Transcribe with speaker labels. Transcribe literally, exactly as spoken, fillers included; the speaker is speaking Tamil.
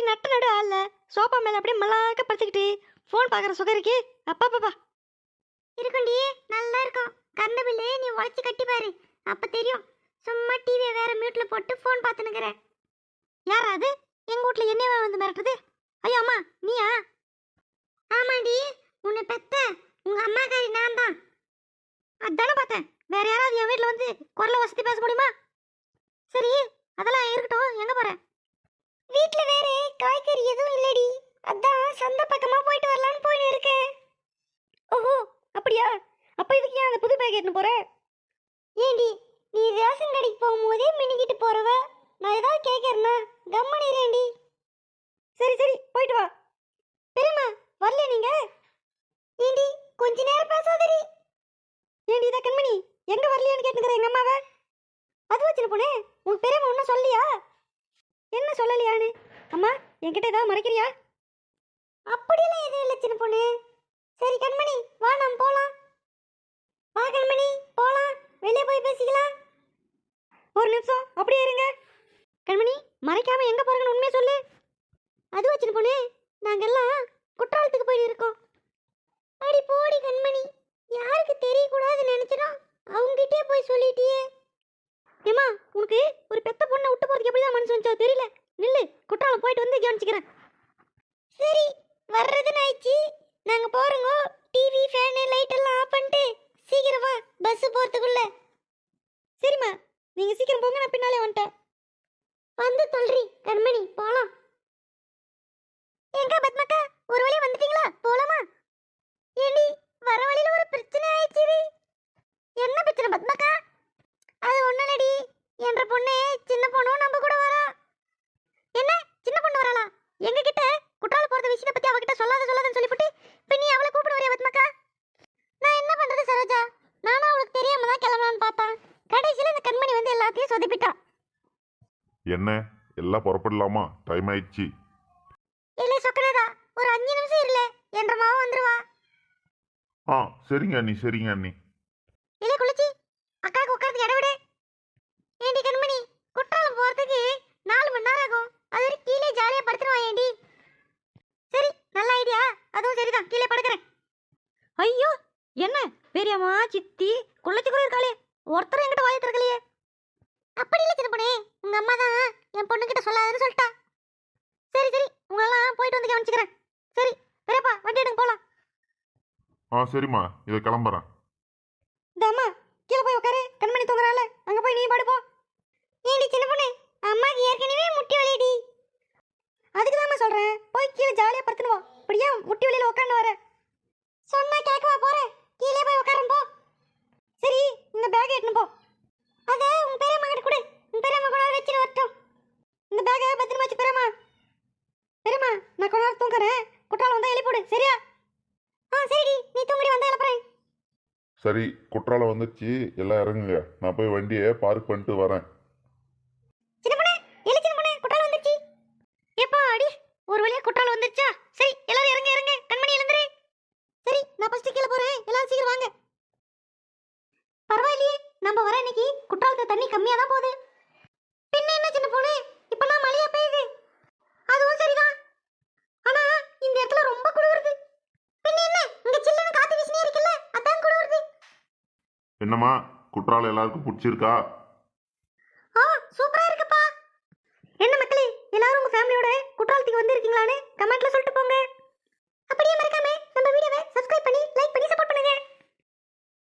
Speaker 1: நட்டு நடு ஆள்ல சோஃபா மேல அப்படியே மல்லாக்க படுத்துக்கிட்டு ஃபோன் பார்க்குற சுகம் இருக்கு. அப்பா பாப்பா
Speaker 2: இருக்குண்டி, நல்லா இருக்கும். கரண்ட் பில்லு நீ உழைச்சி கட்டி பாரு, அப்ப தெரியும். சும்மா டிவியை வேற மியூட்ல போட்டு ஃபோன் பார்த்துனுக்குற.
Speaker 1: யாரா அது எங்க வீட்ல என்னையவா வந்து மிரட்டுது? ஐயோ அம்மா நீயா?
Speaker 2: ஆமாண்டி, உன்னை பெத்த உங்க அம்மாக்காரி நான் தான்.
Speaker 1: அதானே பார்த்தேன். வேற யாராவது என் வீட்டில் வந்து குரலை வசதி பேச முடியுமா? சரி அதெல்லாம் இருக்கட்டும், எங்க போற?
Speaker 2: வீட்ல வேற காய்கறி எதுவும் இல்லடி, அதான் சந்தை பக்கமா போயிட்டு வரலான்னு போயின்னு இருக்கேன்.
Speaker 1: ஓஹோ அப்படியா? அப்ப இதுக்கு ஏன் அந்த புது பேக் எடுத்துன்னு போற?
Speaker 2: ஏண்டி, நீ ரேஷன் கடைக்கு போகும்போதே மினிக்கிட்டு போறவ, நான் ஏதாவது கேட்கறேன்னா கம்மனிரேண்டி.
Speaker 1: சரி சரி போயிட்டு வா. பெரியம்மா வரல நீங்க?
Speaker 2: ஏண்டி கொஞ்ச நேரம் பேசாதடி.
Speaker 1: ஏண்டி இதை கண்மணி எங்க வரலையான்னு கேட்டுக்கிறேன் எங்க அம்மாவை. அது வச்சுன்னு போனேன். உங்க பெரியம்மா ஒன்றும் சொல்லியா? என்ன சொல்லலையான்னு? அம்மா என்கிட்ட ஏதாவது மறைக்கிறியா?
Speaker 2: அப்படியெல்லாம் எதுவும் இல்லை சின்ன பொண்ணு. சரி கண்மணி வா, நாம் போலாம். வா கண்மணி போலாம், வெளியே போய் பேசிக்கலாம்.
Speaker 1: ஒரு நிமிஷம் அப்படியே இருங்க. கண்மணி மறைக்காம எங்க போறீங்கன்னு உண்மையை சொல்லு.
Speaker 2: அது வச்சுன்னு போனே, நாங்கெல்லாம் குற்றாலத்துக்கு போய் இருக்கோம். அடி போடி கண்மணி, யாருக்கு தெரியக்கூடாதுன்னு நினைச்சிடும் அவங்ககிட்டே போய் சொல்லிட்டியே.
Speaker 1: ஏமா உனக்கு ஒரு பெத்த பொண்ணை விட்டு போறதுக்கு எப்படிதான் மனசு வந்துச்சோ தெரியல. நில்லு, குற்றாலம் போயிட்டு வந்து கவனிச்சுக்கிறேன்.
Speaker 2: சரி வர்றதுன்னு ஆயிடுச்சு, நாங்க போறோங்க. டிவி ஃபேனு லைட் எல்லாம் ஆஃப் பண்ணிட்டு சீக்கிரம் வா, பஸ் போறதுக்குள்ள.
Speaker 1: சரிம்மா நீங்க சீக்கிரம் போங்க, நான் பின்னாலே வந்துட்டேன்.
Speaker 2: வந்து சொல்றி கண்மணி போலாம். எங்க பத்மக்கா ஒரு வழி வந்துட்டீங்களா? போலாமா? ஏண்டி வர வழியில ஒரு பிரச்சனை ஆயிடுச்சு. என்ன பிரச்சனை பத்மக்கா? அது ஒண்ணுலடி, என்ற பொண்ணு சின்ன பொண்ணும் நம்ம கூட வரா.
Speaker 1: என்ன சின்ன பொண்ணு வராளா? எங்க கிட்ட குற்றாலம் போறது விஷயத்தை பத்தி அவகிட்ட சொல்லாத சொல்லாதன்னு சொல்லிவிட்டு இப்ப நீ அவளை கூப்பிட வரையா பத்மக்கா?
Speaker 2: நான் என்ன பண்றது சரோஜா, நானும் அவளுக்கு தெரியாம தான் கிளம்பலான்னு பார்த்தேன். கடைசியில இந்த கண்மணி வந்து எல்லாத்தையும் சொதப்பிட்டா.
Speaker 3: என்ன எல்லாம் புறப்படலாமா? டைம் ஆயிடுச்சு.
Speaker 2: இல்லை சொக்கனதா, ஒரு அஞ்சு நிமிஷம் இருல, என்ற மாவும் வந்துருவா.
Speaker 3: ஆ சரிங்க அண்ணி, சரிங்க அண்ணி.
Speaker 2: இல்லை குளிச்சி அக்காவுக்கு உட்காந்து இட விடு. ஏண்டி கண்மணி, குற்றாலம் போறதுக்கு நாலு மணி நேரம் ஆகும். அது வரை கீழே ஜாலியா படுத்துருவான். ஏண்டி
Speaker 1: சரி நல்ல ஐடியா, அதுவும் சரிதான், கீழே படுக்கிறேன். ஐயோ என்ன பெரியம்மா சித்தி குள்ளச்சி கூட இருக்காளே, ஒருத்தர் என்கிட்ட வாயை திறக்கலையே.
Speaker 2: அப்படி இல்லை சின்ன பொண்ணே, உங்க அம்மா தான் என் பொண்ணுகிட்ட சொல்லாதுன்னு சொல்லிட்டா.
Speaker 1: சரி சரி உங்களெல்லாம் போயிட்டு வந்து கவனிச்சுக்கிறேன். சரி பெரியப்பா வண்டி எடுங்க போலாம்.
Speaker 3: ஆ சரிம்மா, இதை கிளம்புறேன்.
Speaker 1: இந்த அம்மா கீழே போய் உட்காரு, கண்மணி தூங்குறாள், அங்க போய் நீ படுப்போ.
Speaker 2: ஏண்டி சின்ன பொண்ணு, அம்மாக்கு ஏற்கனவே முட்டி வலிடி.
Speaker 1: அதுக்கு தாம்மா சொல்றேன், போய் கீழே ஜாலியா படுத்துனுவோம். இப்படியா முட்டி வலியில உட்காந்து வர
Speaker 2: சொன்னா கேட்கவா போறேன்? கீழே போய் உட்காரும் போ.
Speaker 1: சரி இந்த பேக்கை எடுத்துன்னு போ.
Speaker 2: அத உங்க பெரியம்மா கிட்ட கொடு, உங்க பெரியம்மா கூட வச்சுட்டு வரட்டும்.
Speaker 1: இந்த பேக்கை பத்திரமா வச்சு பெரியம்மா. பெரியம்மா நான் கொஞ்ச நேரம் தூங்குறேன், குற்றாலம் வந்தா எழுப்பிடு சரியா?
Speaker 2: ஆ சரிடி, நீ தூங்கடி, வந்தா எழுப்புறேன்.
Speaker 3: சரி குற்றாலம் வந்துச்சு, எல்லாம் இறங்குங்க. நான் போய் வண்டியை பார்க் பண்ணிட்டு வரேன்.
Speaker 2: சின்ன பொண்ணு எழு, சின்ன பொண்ணு குற்றாலம் வந்துச்சு.
Speaker 1: எப்பா அடி ஒரு வழியா குற்றாலம் வந்துச்சா? சரி எல்லாரும் இறங்க இறங்க, கண்மணி எழுந்துரு. சரி நான் ஃபர்ஸ்ட் கீழே போறேன், எல்லாரும் சீக்கிரம் வாங்க. பரவாயில்லையே, நம்ம வர இன்னைக்கு குற்றாலத்துல தண்ணி கம்மியா தான் போகுது. பின்ன என்ன சின்ன பொண்ணு, இப்பெல்லாம் மழையா பெய்யுது. அதுவும் சரிதான், ஆனா இந்த இடத்துல ரொம்ப குளிருது.
Speaker 2: பின்ன என்ன, இங்க சில்லுன்னு காத்து வீசினே இருக்குல்ல, அதான் குளிருது.
Speaker 3: என்னம்மா குற்றாலம் எல்லாருக்கும் பிடிச்சிருக்கா?
Speaker 1: ஆ சூப்பரா இருக்குப்பா. என்ன மக்களே, எல்லாரும் உங்க ஃபேமிலியோட குற்றாலத்துக்கு வந்திருக்கீங்களான்னு கமெண்ட்ல சொல்லிட்டு போங்க.